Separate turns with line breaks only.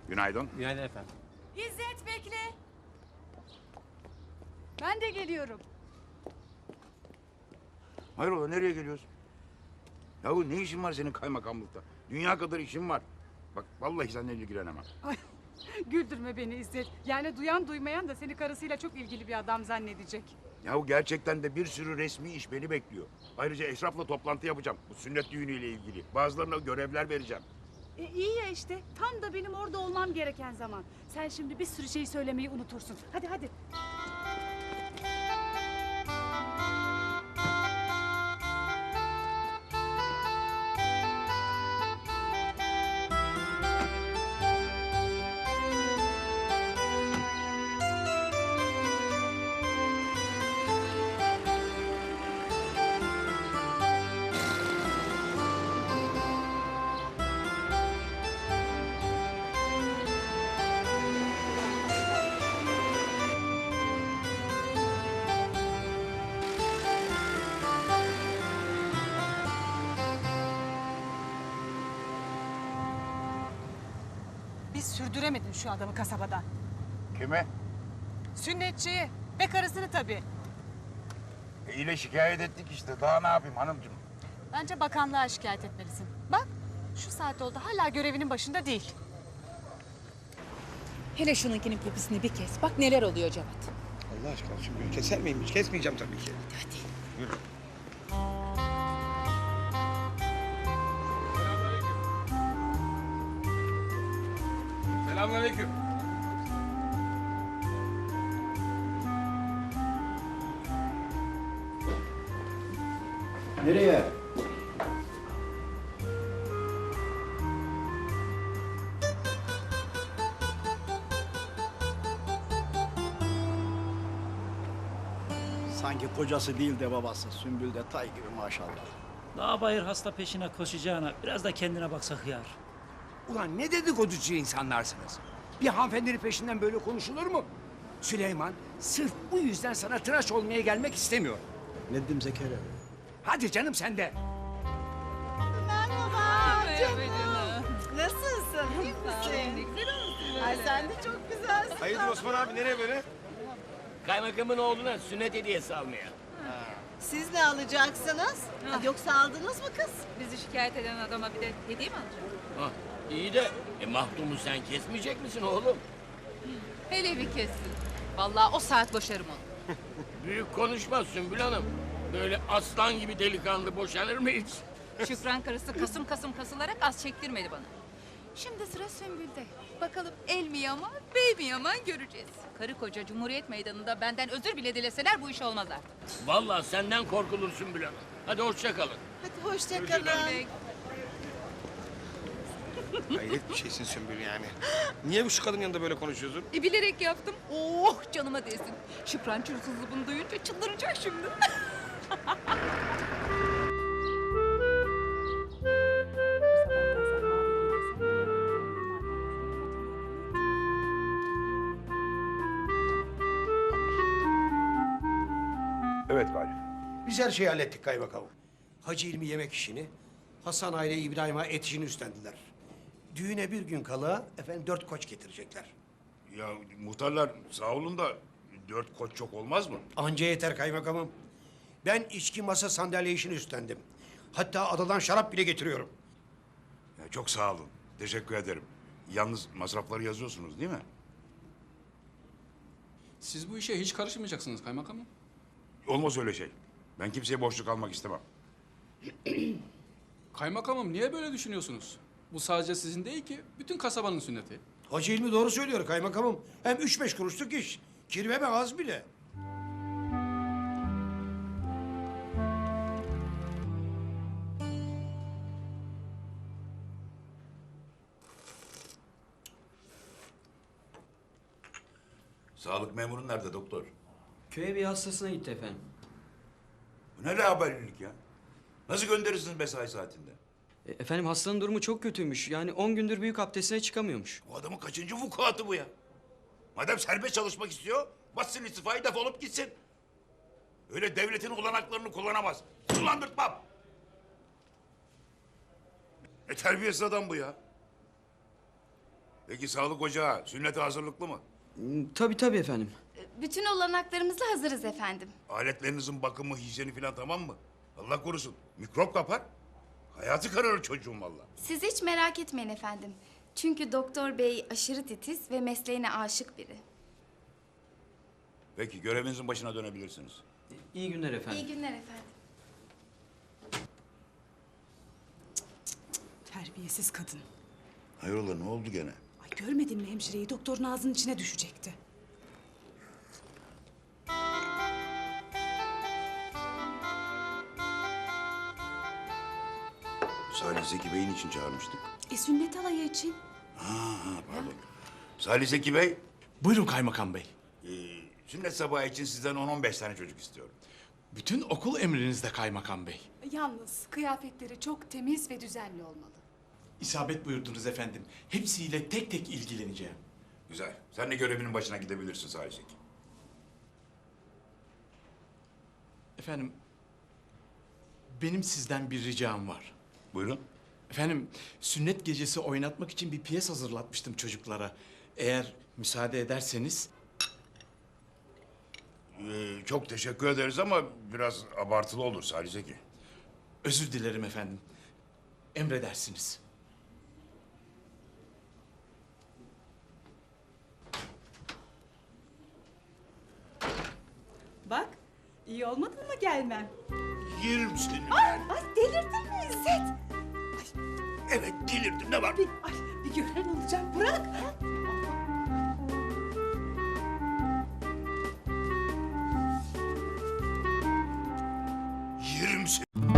Günaydın.
Günaydın efendim.
İzzet bekle. Ben de geliyorum.
Hayrola nereye geliyorsun? Yahu ne işin var senin kaymakamlıkta? Dünya kadar işin var. Bak vallahi seninle ilgilenemem.
Ay, güldürme beni İzzet. Yani duyan duymayan da seni karısıyla çok ilgili bir adam zannedecek.
Yahu gerçekten de bir sürü resmi iş beni bekliyor. Ayrıca Eşraf'la toplantı yapacağım. Bu sünnet düğünüyle ilgili. Bazılarına görevler vereceğim.
İyi ya işte. Tam da benim orada olmam gereken zaman. Sen şimdi bir sürü şey söylemeyi unutursun. Hadi hadi. Biz sürdüremedin şu adamı kasabadan.
Kime?
Sünnetçiyi ve karısını tabii.
İle şikayet ettik işte. Daha ne yapayım hanımcığım?
Bence bakanlığa şikayet etmelisin. Bak şu saat oldu hala görevinin başında değil.
Hele şununkinin popisini bir kes. Bak neler oluyor Cevat.
Allah aşkına şimdi keser miyim hiç? Kesmeyeceğim tabii ki.
Hadi.
Yürü. Selamünaleyküm.
Nereye? Sanki kocası değil de babası. Sümbül de tay gibi maşallah.
Daha bayır hasta peşine koşacağına biraz da kendine baksa hıyar.
Ulan ne dedikoducu insanlarsınız? Bir hanımefendinin peşinden böyle konuşulur mu? Süleyman sırf bu yüzden sana tıraş olmaya gelmek istemiyor.
Ne dedim Zekeriya?
Hadi canım sen de.
Nasılsın? İyi misin? Ay sen de çok güzelsin.
Hayırdır Osman abi nereye böyle?
Kaymakamın oğluna sünnet hediyesi almaya.
Siz ne alacaksınız? Yoksa aldınız mı kız?
Bizi şikayet eden adama bir de hediye mi alacak?
Hah, iyi de mahdumu sen kesmeyecek misin oğlum?
Hele bir kessin. Vallahi o saat boşarım onu.
Büyük konuşma Sümbül Hanım. Böyle aslan gibi delikanlı boşanır mı hiç?
Şükran karısı kasım kasım kasılarak az çektirmedi bana. Şimdi sıra Sümbül'de. Bakalım el mi yaman, bey mi yaman göreceğiz. Karı koca Cumhuriyet Meydanı'nda benden özür bile dileseler bu iş olmaz artık.
Vallahi senden korkulur Sümbül Hanım. Hadi hoşça kalın.
Hadi hoşça kalın.
Hayret bir şeysin Sümbül yani. Niye bu şu kadın yanında böyle konuşuyorsun?
Bilerek yaptım. Oh canıma değsin. Şükran çulsuzluğu bunu duyunca çıldıracak şimdi.
Evet Galip.
Biz her şeyi hallettik kaymakamım. Hacı İlmi yemek işini, Hasan aile İbrahim'a et işini üstlendiler. Düğüne bir gün kala efendim 4 koç getirecekler.
Ya muhtarlar sağ olun da 4 koç çok olmaz mı?
Anca yeter kaymakamım. Ben içki masa sandalye işini üstlendim. Hatta adadan şarap bile getiriyorum.
Ya çok sağ olun. Teşekkür ederim. Yalnız masrafları yazıyorsunuz değil mi?
Siz bu işe hiç karışmayacaksınız kaymakamım.
Olmaz öyle şey. Ben kimseye borçlu kalmak istemem.
Kaymakamım niye böyle düşünüyorsunuz? Bu sadece sizin değil ki bütün kasabanın sünneti.
Hacı İlmi doğru söylüyor kaymakamım. Hem 3-5 kuruşluk iş. Kirve mi az bile.
Sağlık memurun nerede doktor?
Köye bir hastasına gitti efendim.
Bu ne haberlilik ya? Nasıl gönderirsiniz mesai saatinde?
Efendim hastanın durumu çok kötüymüş. Yani 10 gündür büyük abdestine çıkamıyormuş.
Bu adamın kaçıncı vukuatı bu ya? Madem serbest çalışmak istiyor, bassın istifayı defolup gitsin. Öyle devletin olanaklarını kullanamaz. Kullandırtmam. Ne terbiyesiz adam bu ya. Peki sağlık ocağı sünnete hazırlıklı mı?
Tabii efendim.
Bütün olanaklarımızla hazırız efendim.
Aletlerinizin bakımı, hijyeni falan tamam mı? Allah korusun. Mikrop kapar. Hayatı kararır çocuğum valla.
Siz hiç merak etmeyin efendim. Çünkü doktor bey aşırı titiz ve mesleğine aşık biri.
Peki görevinizin başına dönebilirsiniz.
İyi günler efendim.
İyi günler efendim.
Terbiyesiz kadın.
Hayrola ne oldu gene?
Ay görmedin mi hemşireyi? Doktorun ağzının içine düşecekti.
Salih Zeki Bey'in için çağırmıştık.
Sünnet alayı için.
Pardon. Salih Zeki Bey,
Buyurun kaymakam bey.
sünnet sabahı için sizden 10-15 tane çocuk istiyorum.
Bütün okul emrinizde kaymakam bey.
Yalnız kıyafetleri çok temiz ve düzenli olmalı.
İsabet buyurdunuz efendim. Hepsiyle tek tek ilgileneceğim.
Güzel. Sen de görevinin başına gidebilirsin Salih Zeki.
Efendim, benim sizden bir ricam var.
Buyurun.
Efendim, sünnet gecesi oynatmak için bir piyes hazırlatmıştım çocuklara. Eğer müsaade ederseniz...
Çok teşekkür ederiz ama biraz abartılı olur Salih Zeki.
Özür dilerim efendim. Emredersiniz.
Bak, iyi olmadı mı gelmem?
Yerim seni.
Ay delirdin mi İzzet?
Evet delirdim ne var?
Ay bir gören olacak bırak.
Yerim seni.